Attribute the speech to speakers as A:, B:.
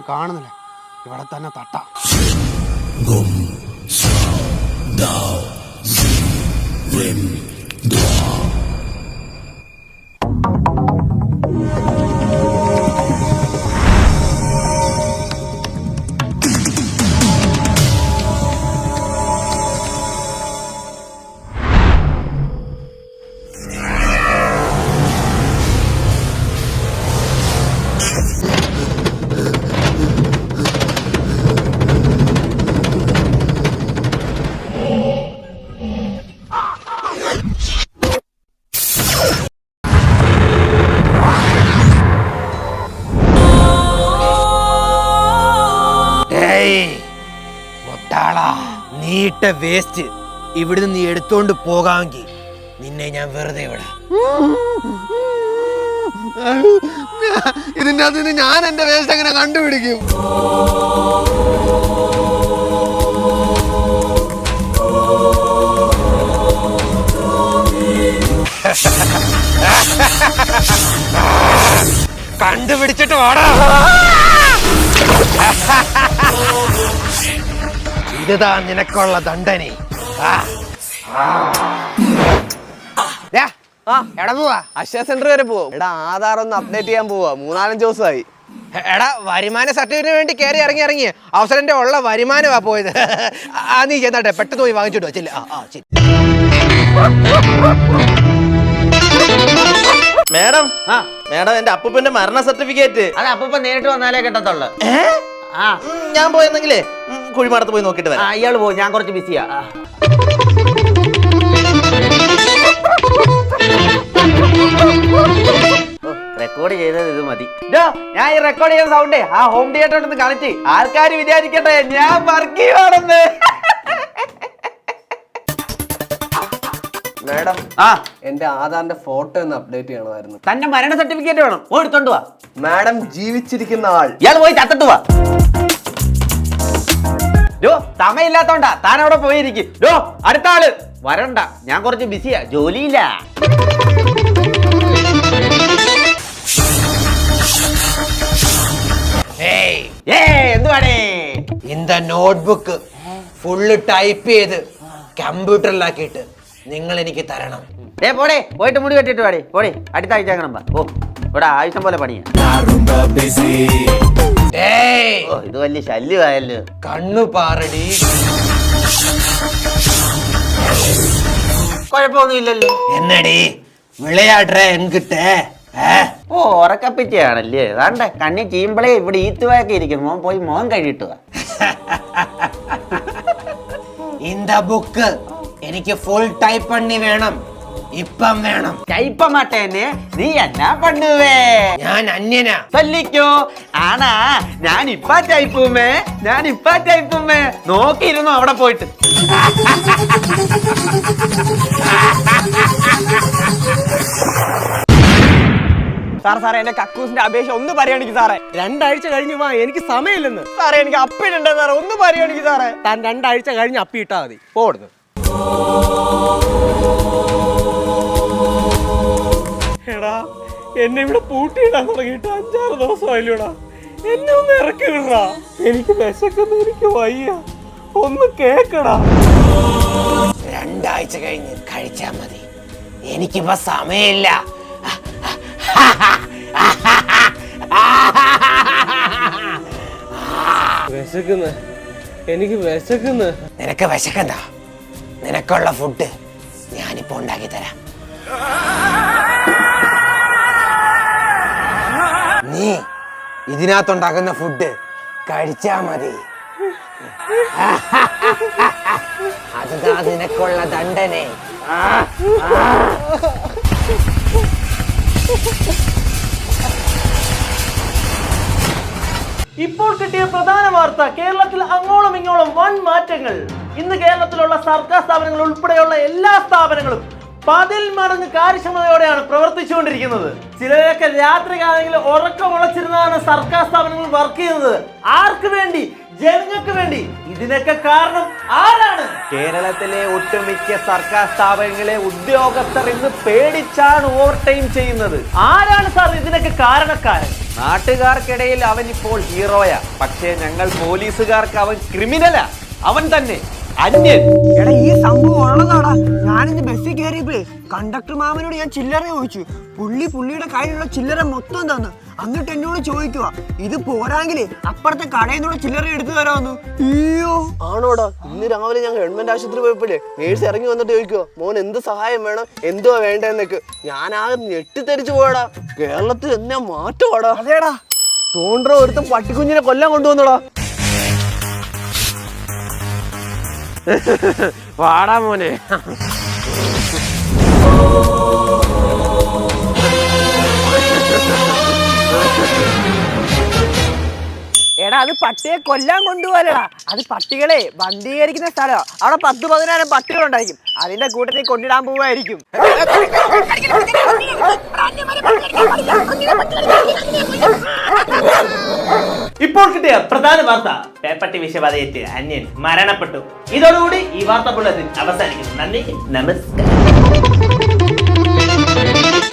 A: കാണുന്നില്ല. ഇവിടെ തന്നെ തട്ടാം. നീട്ട വേസ്റ്റ് ഇവിടുന്ന് നീ എടുത്തോണ്ട് പോകാമെങ്കിൽ നിന്നെ ഞാൻ വെറുതെ വിടാം.
B: ഇതിന്റെ അതിന് ഞാൻ എന്റെ വേസ്റ്റ് എങ്ങനെ കണ്ടുപിടിക്കും?
A: കണ്ടുപിടിച്ചിട്ട് വാടാ. ഇതാ നിനക്കുള്ള ദണ്ഡനെ. എടാ പോവാ,
B: അക്ഷയ സെന്റർ വരെ പോവും. എടാ ആധാർ ഒന്ന് അപ്ഡേറ്റ് ചെയ്യാൻ പോവാ. 3-4 ദിവസമായി.
A: എടാ വരുമാന സർട്ടിഫിക്കറ്റിന് വേണ്ടി കയറി ഇറങ്ങി അവസരന്റെ ഉള്ള വരുമാനമാ പോയത്. നീ ചെന്നാട്ടെ, പെട്ടെന്ന് പോയി വാങ്ങിച്ചിട്ടോ. ചെല്ല.
C: മേഡം മേഡം എന്റെ അപ്പൂപ്പന്റെ മരണ സർട്ടിഫിക്കറ്റ്.
D: അത് അപ്പൂപ്പൻ നേരിട്ട് വന്നാലേ കിട്ടത്തുള്ളു.
C: ഞാൻ പോയെന്നെങ്കിലേ കുഴിമാടത്ത് പോയി നോക്കിട്ട് വരാം.
D: അയാള് പോയി, ഞാൻ കുറച്ച് ബിസിയാ. റെക്കോർഡ് ചെയ്തത് ഇത് മതി. ഞാൻ ഈ റെക്കോർഡ് ചെയ്യുന്ന സൗണ്ടേ ആ ഹോം തിയേറ്ററിൽ കാണിച്ച് ആൾക്കാർ വിചാരിക്കട്ടെ ഞാൻ വർക്ക് ചെയ്യുവാണെന്ന്.
B: മാഡം, എന്റെ ആധാറിന്റെ ഫോട്ടോ ഒന്ന് അപ്ഡേറ്റ് ചെയ്യണമായിരുന്നു.
D: തന്റെ മരണ സർട്ടിഫിക്കറ്റ് വേണം, പോയി എടുത്തോണ്ട് വാ.
B: മാഡം, ജീവിച്ചിരിക്കുന്ന ആൾ.
D: ഇയാൾ പോയി ചത്തിട്ട് വാ. സമയമില്ലാത്തോണ്ടാ താൻ അവിടെ പോയിരിക്കും. അടുത്ത ആള് വരണ്ട, ഞാൻ കുറച്ച് ബിസിയാ, ജോലിയില്ല.
A: എന്തുവാടേ? ഇന്ത നോട്ട്ബുക്ക് ഫുള്ള് ടൈപ്പ് ചെയ്ത് കമ്പ്യൂട്ടറിലാക്കിയിട്ട് നിങ്ങൾ എനിക്ക് തരണം.
D: പോടേ, പോയിട്ട് മുടി വെട്ടിട്ട് പാടേ. പോടേ, അടുത്ത ആഴ്ച അങ്ങനെ. ഓ ഇവിടെ ആവശ്യം പോലെ പണിയാ. ഇത് വലിയ ശല്യമായല്ലോ.
A: കണ്ണു പാറടി.
D: കുഴപ്പമൊന്നുമില്ലല്ലോ.
A: എന്നടി വിളയാട്ടെ എൻകിട്ടേ.
D: ഓ ഉറക്കപ്പിച്ചയാണല്ലേ. അതാണ്ട് കണ്ണി ചീമ്പളേ ഇവിടെ ഈത്തുവായൊക്കെ ഇരിക്കുന്നു. മോൻ പോയി മോൻ കഴിയിട്ടുക.
A: ഇന്ത ബുക്ക് എനിക്ക് ഫുൾ ടൈപ്പ് പണി വേണം, ഇപ്പം വേണം.
D: ടൈപ്പ മാട്ടേനെ നീ എന്നാ പണ്ണുവേ?
A: ഞാൻ അന്യനാ.
D: ചൊല്ലിക്കോ. ആണാ ഞാനിപ്പാ ടൈപ്പുമേ നോക്കിയിരുന്നു അവിടെ പോയിട്ട്.
B: സാറേ എന്റെ കക്കൂസിന്റെ അപേക്ഷ ഒന്ന് പരിഗണിക്കും സാറേ. 2 ആഴ്ച കഴിഞ്ഞ് വാ, എനിക്ക് സമയമില്ലെന്ന് സാറേ. എനിക്ക് അപ്പിടണ്ടേ സാറേ, ഒന്ന് പരിഗണിക്കും സാറേ. താൻ 2 ആഴ്ച കഴിഞ്ഞ് അപ്പിട്ടാ മതി. പോടുന്നു. എടാ, എന്നെ ഇവിടെ പൂട്ടിയിടാൻ തുടങ്ങിയിട്ട് 5-6 ദിവസമായില്ലടാ. എന്നെ ഒന്ന് ഇറക്കി വിടടാ. എനിക്ക് വിശക്കുന്നു, എനിക്ക് വയ്യ. ഒന്ന് കേക്കടാ.
A: 2 ആഴ്ച കഴിഞ്ഞ് കഴിച്ചാ മതി, എനിക്കിപ്പോ സമയമില്ല.
B: എനിക്ക് വിശക്കുന്നു.
A: നിനക്ക് വിശക്കണ്ട, നിനക്കുള്ള ഫുഡ് ഞാനിപ്പോ ഉണ്ടാക്കി തരാം. നീ ഇതിനകത്തുണ്ടാക്കുന്ന ഫുഡ് കഴിച്ചാ മതി. അതുതാ നിനക്കുള്ള ദണ്ഡനെ.
E: ഇപ്പോൾ കിട്ടിയ പ്രധാന വാർത്ത, കേരളത്തിൽ അങ്ങോളം ഇങ്ങോളം വൻ മാറ്റങ്ങൾ. ഇന്ന് കേരളത്തിലുള്ള സർക്കാർ സ്ഥാപനങ്ങൾ ഉൾപ്പെടെയുള്ള എല്ലാ സ്ഥാപനങ്ങളും 10 മടങ്ങ് കാര്യക്ഷമതയോടെയാണ് പ്രവർത്തിച്ചുകൊണ്ടിരിക്കുന്നത്. ചിലരൊക്കെ രാത്രി കാലങ്ങളിൽ ഉറക്കമുളച്ചിരുന്നാണ് സർക്കാർ സ്ഥാപനങ്ങൾ വർക്ക് ചെയ്യുന്നത്. ആർക്ക് വേണ്ടി? ജനങ്ങൾക്ക് വേണ്ടി. ഇതിനൊക്കെ കാരണം ആരാണ്?
D: കേരളത്തിലെ ഒട്ടുമിക്ക സർക്കാർ സ്ഥാപനങ്ങളെ ഉദ്യോഗസ്ഥർ ഇന്ന് പേടിച്ചാണ് ഓവർ ടൈം ചെയ്യുന്നത്.
E: ആരാണ് സാർ ഇതിനൊക്കെ കാരണക്കാരൻ?
D: നാട്ടുകാർക്കിടയിൽ അവൻ ഇപ്പോൾ ഹീറോയാ, പക്ഷേ ഞങ്ങൾ പോലീസുകാർക്ക് അവൻ ക്രിമിനലാ. അവൻ തന്നെ അന്യൻ.
F: എടാ ഈ സംഭവം ഉള്ളതാടാ. ഞാനിന്ന് ബസ്സിൽ കയറിയപ്പോഴേ കണ്ടക്ടർ മാമനോട് ഞാൻ ചില്ലറ ചോദിച്ചു. പുള്ളിയുടെ കയ്യിലുള്ള ചില്ലറ മൊത്തം തന്നു. എന്നിട്ട് എന്നോട് ചോദിക്കുക, ഇത് പോരാങ്കിലേ അപ്പുറത്തെ കടയിൽ നിന്നുള്ള ചില്ലറ എടുത്തു തരാമെന്ന്. അയ്യോ
G: ആണോടാ, ഇന്ന് രാവിലെ ഞാൻ ഗവൺമെന്റ് ആശുപത്രി പോയപ്പോഴേ നേഴ്സ് ഇറങ്ങി വന്നിട്ട് ചോദിക്കുവോ മോൻ എന്ത് സഹായം വേണം, എന്തുവാ വേണ്ടെന്നൊക്കെ. ഞാനാകെ ഞെട്ടിത്തെരിച്ചു പോയടാ. കേരളത്തിൽ എന്നാ മാറ്റമാടാ.
F: അതേടാ,
G: തോണ്ടറ ഒരുത്തം പട്ടിക്കുഞ്ഞിനെ കൊല്ലാൻ കൊണ്ടുവന്നടാ.
A: വാടാ മോനെ.
F: എടാ അത് പട്ടിയെ കൊല്ലാൻ കൊണ്ടുപോകലടാ. അത് പട്ടികളെ വന്ധീകരിക്കുന്ന സ്ഥലമാ. അവിടെ 10-15 പട്ടികളുണ്ടായിരിക്കും. അതിന്റെ കൂട്ടത്തിൽ കൊണ്ടിടാൻ പോവായിരിക്കും.
E: ഇപ്പോൾ കിട്ടിയ പ്രധാന വാർത്ത, പേപ്പട്ടി വിഷബാധയേറ്റ് അന്യൻ മരണപ്പെട്ടു. ഇതോടുകൂടി ഈ വാർത്താ ബുള്ളറ്റിൻ അവസാനിക്കുന്നു. നന്ദി, നമസ്കാരം.